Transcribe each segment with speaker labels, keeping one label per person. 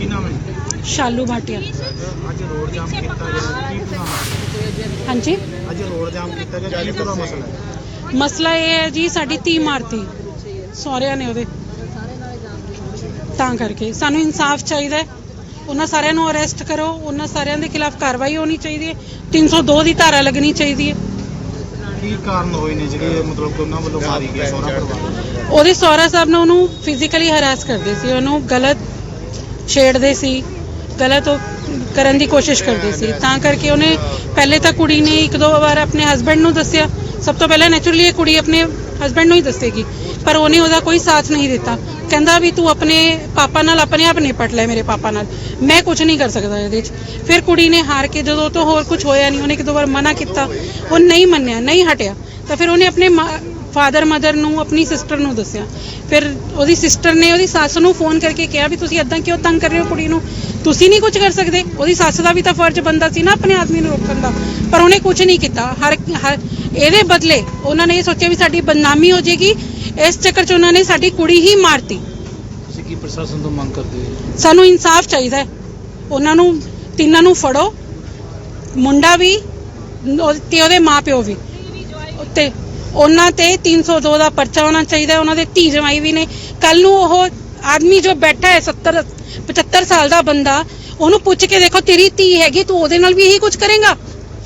Speaker 1: नाम है?
Speaker 2: शालू भाटिया।
Speaker 1: आज रोड जाम किया गया,
Speaker 2: हाँ जी,
Speaker 1: आज रोड जाम किया गया, क्या पूरा मसला है?
Speaker 2: मसला ये है जी, साडी धी मारती सहुरिਆਂ ने ਉਹਦੇ, ਤਾਂ ਕਰਕੇ ਸਾਨੂੰ ਇਨਸਾਫ ਚਾਹੀਦਾ ਹੈ। ਉਹਨਾਂ ਸਾਰਿਆਂ ਨੂੰ ਅਰੈਸਟ ਕਰੋ, ਉਹਨਾਂ ਸਾਰਿਆਂ ਦੇ ਖਿਲਾਫ ਕਾਰਵਾਈ ਹੋਣੀ ਚਾਹੀਦੀ ਹੈ। 302 ਦੀ ਧਾਰਾ ਲੱਗਣੀ ਚਾਹੀਦੀ ਹੈ।
Speaker 1: ਕੀ ਕਾਰਨ ਹੋਏ ਨੇ ਜਿਹੜੇ ਮਤਲਬ ਕਿ ਉਹਨਾਂ ਵੱਲੋਂ ਮਾਰੀ ਗਈ ਸਹੁਰਾ ਪਰਿਵਾਰ?
Speaker 2: ਉਹਦੇ ਸਹੁਰਾ ਸਾਹਿਬ ਨੇ ਉਹਨੂੰ ਫਿਜ਼ੀਕਲੀ ਹਰਾਸ ਕਰਦੇ ਸੀ, ਉਹਨੂੰ ਗਲਤ ਛੇੜਦੇ ਸੀ, ਗਲਤ ਕਰਨ ਦੀ ਕੋਸ਼ਿਸ਼ ਕਰਦੇ ਸੀ। ਤਾਂ ਕਰਕੇ ਉਹਨੇ ਪਹਿਲੇ ਤਾਂ ਕੁੜੀ ਨੇ ਇੱਕ ਦੋ ਵਾਰ ਆਪਣੇ ਹਸਬੈਂਡ ਨੂੰ ਦੱਸਿਆ। ਸਭ ਤੋਂ ਪਹਿਲਾਂ ਨੈਚੁਰਲੀ ਇਹ ਕੁੜੀ ਆਪਣੇ ਹਸਬੈਂਡ ਨੂੰ ਹੀ ਦੱਸੇਗੀ, ਪਰ ਉਹਨੇ ਉਹਦਾ ਕੋਈ ਸਾਥ ਨਹੀਂ ਦਿੱਤਾ। ਕਹਿੰਦਾ ਵੀ ਤੂੰ ਆਪਣੇ ਪਾਪਾ ਨਾਲ ਆਪਣੇ ਆਪ ਨਿਪਟ ਲੈ, ਮੇਰੇ ਪਾਪਾ ਨਾਲ ਮੈਂ ਕੁਝ ਨਹੀਂ ਕਰ ਸਕਦਾ ਇਹਦੇ 'ਚ। ਫਿਰ ਕੁੜੀ ਨੇ ਹਾਰ ਕੇ, ਜਦੋਂ ਤੋਂ ਹੋਰ ਕੁਝ ਹੋਇਆ ਨਹੀਂ, ਉਹਨੇ ਇੱਕ ਦੋ ਵਾਰ ਮਨਾ ਕੀਤਾ, ਉਹ ਨਹੀਂ ਮੰਨਿਆ, ਨਹੀਂ ਹਟਿਆ, ਤਾਂ ਫਿਰ ਉਹਨੇ ਆਪਣੇ ਫਾਦਰ ਮਦਰ ਨੂੰ, ਆਪਣੀ ਸਿਸਟਰ ਨੂੰ ਦੱਸਿਆ। ਫਿਰ ਉਹਦੀ ਸਿਸਟਰ ਨੇ ਉਹਦੀ ਸੱਸ ਨੂੰ ਫੋਨ ਕਰਕੇ ਕਿਹਾ ਵੀ ਤੁਸੀਂ ਇੱਦਾਂ ਕਿਉਂ ਤੰਗ ਕਰ ਰਹੇ ਹੋ ਕੁੜੀ ਨੂੰ, ਤੁਸੀਂ ਨਹੀਂ ਕੁਝ ਕਰ ਸਕਦੇ। ਉਹਦੀ ਸੱਸ ਦਾ ਵੀ ਤਾਂ ਫਰਜ਼ ਬਣਦਾ ਸੀ ਨਾ ਆਪਣੇ ਆਦਮੀ ਨੂੰ ਰੋਕਣ ਦਾ, ਪਰ ਉਹਨੇ ਕੁਝ ਨਹੀਂ ਕੀਤਾ। ਹਰ ਇਹਦੇ ਬਦਲੇ ਉਹਨਾਂ ਨੇ ਇਹ ਸੋਚਿਆ ਵੀ ਸਾਡੀ ਬਦਨਾਮੀ ਹੋ ਜਾਏਗੀ, ਇਸ ਚੱਕਰ 'ਚ ਉਹਨਾਂ ਨੇ ਸਾਡੀ ਕੁੜੀ ਹੀ ਮਾਰਤੀ।
Speaker 1: ਤੁਸੀਂ ਕੀ ਪ੍ਰਸ਼ਾਸਨ ਤੋਂ ਮੰਗ ਕਰਦੇ ਹੋ?
Speaker 2: ਸਾਨੂੰ ਇਨਸਾਫ ਚਾਹੀਦਾ ਹੈ। ਉਹਨਾਂ ਨੂੰ ਤਿੰਨਾਂ ਨੂੰ ਫੜੋ, ਮੁੰਡਾ ਵੀ ਤੇ ਉਹਦੇ ਮਾਪਿਓ ਵੀ, ਤੇ ਉਹਨਾਂ ਤੇ 302 ਦਾ ਪਰਚਾ ਹੋਣਾ ਚਾਹੀਦਾ। ਉਹਨਾਂ ਦੇ ਧੀ ਜਵਾਈ ਵੀ ਨੇ। ਕੱਲ ਨੂੰ ਉਹ ਆਦਮੀ ਜੋ ਬੈਠਾ ਹੈ 75 ਸਾਲ ਦਾ ਬੰਦਾ, ਉਹਨੂੰ ਪੁੱਛ ਕੇ ਦੇਖੋ ਤੇਰੀ ਧੀ ਹੈਗੀ, ਤੂੰ ਉਹਦੇ ਨਾਲ ਵੀ ਇਹੀ ਕੁਝ ਕਰੇਗਾ?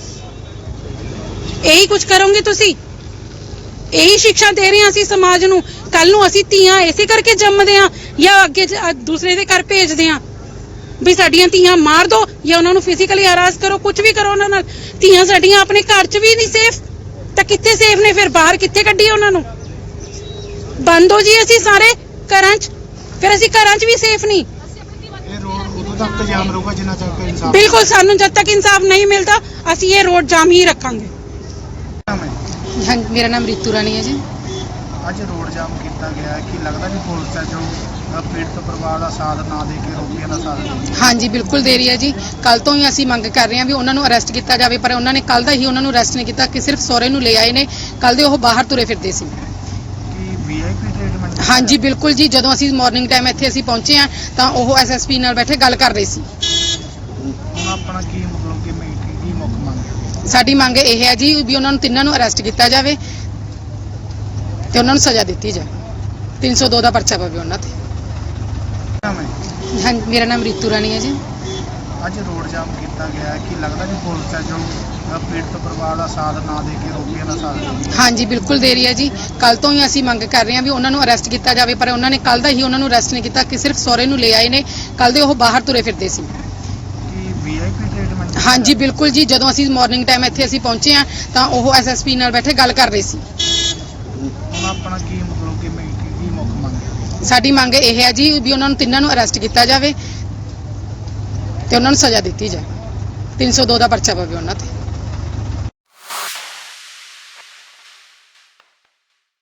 Speaker 2: ਇਹੀ ਕੁਝ ਕਰੋਗੇ ਤੁਸੀਂ? ਇਹੀ ਸਿੱਖਿਆ ਦੇ ਰਹੇ ਹਾਂ ਅਸੀਂ ਸਮਾਜ ਨੂੰ। ਕੱਲ ਨੂੰ ਅਸੀਂ ਧੀਆਂ ਇਸੇ ਕਰਕੇ ਜੰਮਦੇ ਹਾਂ ਜਾਂ ਅੱਗੇ ਦੂਸਰੇ ਦੇ ਘਰ ਭੇਜਦੇ ਹਾਂ ਵੀ ਸਾਡੀਆਂ ਧੀਆਂ ਮਾਰ ਦੋ ਜਾਂ ਉਹਨਾਂ ਨੂੰ ਫਿਜ਼ੀਕਲੀ ਹਰਾਸ ਕਰੋ, ਕੁਝ ਵੀ ਕਰੋ ਉਹਨਾਂ ਨਾਲ। ਧੀਆਂ ਸਾਡੀਆਂ ਆਪਣੇ ਘਰ 'ਚ ਵੀ ਨਹੀਂ ਸੇਫ, ਤਾਂ ਕਿੱਥੇ ਸੇਫ ਨੇ? ਫਿਰ ਬਾਹਰ ਕਿੱਥੇ ਕੱਢੀਏ ਉਹਨਾਂ ਨੂੰ? ਬੰਦ ਹੋ ਜੀ ਅਸੀਂ ਸਾਰੇ ਘਰਾਂ 'ਚ, ਫਿਰ ਅਸੀਂ ਘਰਾਂ 'ਚ ਵੀ ਸੇਫ ਨਹੀਂ।
Speaker 1: ਇਹ ਰੋਡ ਉਦੋਂ ਤੱਕ ਜਾਮ ਰਹੂਗਾ ਜਿੰਨਾ ਤੱਕ ਇਨਸਾਫ।
Speaker 2: ਬਿਲਕੁਲ, ਸਾਨੂੰ ਜਦ ਤੱਕ ਇਨਸਾਫ ਨਹੀਂ ਮਿਲਦਾ ਅਸੀਂ ਇਹ ਰੋਡ ਜਾਮ ਹੀ ਰੱਖਾਂਗੇ।
Speaker 3: हाँ, मेरा नाम रितु रानी है जी।
Speaker 1: ਅੱਜ ਰੋਡ ਜਾਮ ਕੀਤਾ ਗਿਆ ਹੈ, ਕੀ ਲੱਗਦਾ ਕਿ ਪੁਲਿਸ ਹੈ ਜੋ ਪੀੜਤ ਪਰਿਵਾਰ ਦਾ ਸਾਥ ਨਾ ਦੇ ਕੇ ਰੋਕੀਆਂ ਦਾ ਸਾਥ ਦੇ?
Speaker 3: हाँ जी, बिल्कुल दे रही है जी। कल तो ही ਅਸੀਂ ਮੰਗ ਕਰ ਰਹੇ ਹਾਂ ਵੀ ਉਹਨਾਂ ਨੂੰ ਅਰੈਸਟ ਕੀਤਾ ਜਾਵੇ, ਪਰ ਉਹਨਾਂ ਨੇ ਕੱਲ ਦਾ ਹੀ ਉਹਨਾਂ ਨੂੰ ਅਰੈਸਟ ਨਹੀਂ ਕੀਤਾ ਕਿ ਸਿਰਫ ਸਹੁਰੇ ਨੂੰ ਲੈ ਆਏ ਨੇ। ਕੱਲ ਦੇ ਉਹ ਬਾਹਰ ਤੁਰੇ ਫਿਰਦੇ ਸੀ।
Speaker 1: ਕੀ ਵੀਆਈਪੀ ਟ੍ਰੀਟਮੈਂਟ?
Speaker 3: हाँ जी, बिल्कुल जी। ਜਦੋਂ ਅਸੀਂ ਮਾਰਨਿੰਗ ਟਾਈਮ ਇੱਥੇ ਅਸੀਂ ਪਹੁੰਚੇ ਹਾਂ ਤਾਂ ਉਹ ਐਸਐਸਪੀ ਨਾਲ ਬੈਠੇ ਗੱਲ ਕਰ ਰਹੇ ਸੀ।
Speaker 1: ਹੁਣ ਆਪਣਾ ਕੀ ਮਤਲਬ ਕਿ ਕੀ ਮੁੱਖ ਮੰਗ ਹੈ?
Speaker 3: ਸਾਡੀ ਮੰਗ ਇਹ ਹੈ ਜੀ ਵੀ ਉਹਨਾਂ ਨੂੰ ਤਿੰਨਾਂ ਨੂੰ ਅਰੈਸਟ ਕੀਤਾ ਜਾਵੇ ਤੇ ਉਹਨਾਂ ਨੂੰ ਸਜ਼ਾ ਦਿੱਤੀ ਜਾਵੇ। 302 ਦਾ ਪਰਚਾ ਪਵੇ ਉਹਨਾਂ ਤੇ।
Speaker 1: ਨਾਮ ਹੈ?
Speaker 3: ਹਾਂ, ਮੇਰਾ ਨਾਮ ਰਿਤੂ ਰਾਣੀ ਹੈ ਜੀ।
Speaker 1: ਅੱਜ ਰੋਡ ਜਾਮ ਕੀਤਾ ਗਿਆ ਹੈ, ਕੀ ਲੱਗਦਾ ਕਿ ਪੁਲਿਸ ਹੈ ਜੋ ਪੀੜਤ ਪਰਿਵਾਰ ਦਾ ਸਾਥ ਨਾ ਦੇ ਕੇ ਰੋਕੀਆਂ ਦਾ ਸਾਥ ਦੇ?
Speaker 3: हाँ जी, बिल्कुल दे रही है जी। कल तो ही ਅਸੀਂ ਮੰਗ ਕਰ ਰਹੇ ਹਾਂ ਵੀ ਉਹਨਾਂ ਨੂੰ ਅਰੈਸਟ ਕੀਤਾ ਜਾਵੇ, ਪਰ ਉਹਨਾਂ ਨੇ ਕੱਲ ਦਾ ਹੀ ਉਹਨਾਂ ਨੂੰ ਅਰੈਸਟ ਨਹੀਂ ਕੀਤਾ ਕਿ ਸਿਰਫ ਸਹੁਰੇ ਨੂੰ ਲੈ ਆਏ ਨੇ। ਕੱਲ ਦੇ ਉਹ ਬਾਹਰ ਤੁਰੇ ਫਿਰਦੇ ਸੀ।
Speaker 1: ਕੀ ਵੀਆਈਪੀ ਟ੍ਰੀਟਮੈਂਟ?
Speaker 3: हाँ जी, बिल्कुल जी। ਜਦੋਂ ਅਸੀਂ ਮਾਰਨਿੰਗ ਟਾਈਮ ਇੱਥੇ ਅਸੀਂ ਪਹੁੰਚੇ ਹਾਂ ਤਾਂ ਉਹ ਐਸਐਸਪੀ ਨਾਲ ਬੈਠੇ ਗੱਲ ਕਰ ਰਹੇ ਸੀ।
Speaker 1: ਹੁਣ ਆਪਣਾ ਕੀ ਮਤਲਬ ਕਿ ਕੀ ਮੁੱਖ ਮੰਗ ਹੈ?
Speaker 3: ਸਾਡੀ ਮੰਗ ਇਹ ਹੈ ਜੀ ਵੀ ਉਹਨਾਂ ਨੂੰ ਤਿੰਨਾਂ ਨੂੰ ਅਰੈਸਟ ਕੀਤਾ ਜਾਵੇ ਤੇ ਉਹਨਾਂ ਨੂੰ ਸਜ਼ਾ ਦਿੱਤੀ ਜਾਵੇ। 302 ਦਾ ਪਰਚਾ ਪਵੇ ਉਹਨਾਂ ਤੇ।